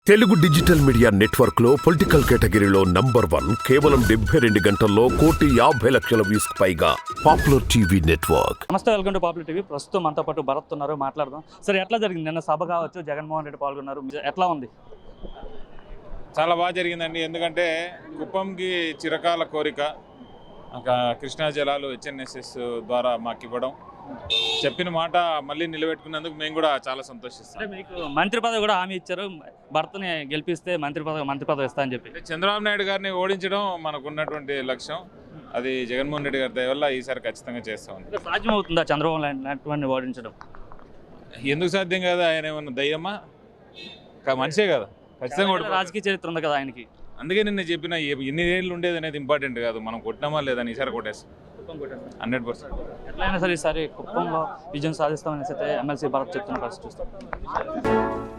Telugu digital media network లో political కేటగిరీలో #1 కేవలం 72 గంటల్లో 1,50,00,000 వ్యూస్ పైగా పాపులర్ టీవీ నెట్వర్క్. నమస్తే, వెల్కమ్ టు పాపులర్ టీవీ. ప్రస్తుతం మనతో పాటు భరత్ ఉన్నారు, మాట్లాడదాం. సరే, ఎట్లా జరిగింది నిన్న సభ కావచ్చు, జగన్మోహన్ రెడ్డి పాల్గొన్నారు, ఎట్లా ఉంది? చాలా బాగా జరిగిందండి. ఎందుకంటే కుప్పంకి చిరకాల కోరిక కృష్ణా జలాలు హెచ్ఎన్ఎస్ఎస్ ద్వారా మాకు ఇవ్వడం, చెప్పిన మాట మళ్ళీ నిలబెట్టుకున్నందుకు మేము కూడా చాలా సంతోషిస్తాం. అంటే మీకు మంత్రి పదవి కూడా హామీ ఇచ్చారు, భర్తని గెలిపిస్తే మంత్రి పదవి ఇస్తా అని చెప్పి. చంద్రబాబు నాయుడు గారిని ఓడించడం మనకు ఉన్నటువంటి లక్ష్యం. అది జగన్మోహన్ రెడ్డి గారి దయ వల్ల ఈసారి ఖచ్చితంగా చేస్తాం. సాధ్యం అవుతుందా చంద్రబాబు నాయుడు ఓడించడం? ఎందుకు సాధ్యం కదా? ఆయన ఏమన్నా దయ్యమ్మా? మనిషే కదా, ఖచ్చితంగా రాజకీయ చరిత్ర ఉంది కదా ఆయనకి. అందుకే నిన్న చెప్పిన ఎన్ని ఏళ్ళు ఉండేది అనేది ఇంపార్టెంట్ కాదు, మనం కొట్టినామా లేదని ఈసారి కొట్టేస్తాం 100%. ఎట్లయినా సరే ఈసారి కుప్పంలో విజయం సాధిస్తామని అయితే ఎమ్మెల్సీ భరత్ చెప్తున్న పరిస్థితి చూస్తాం.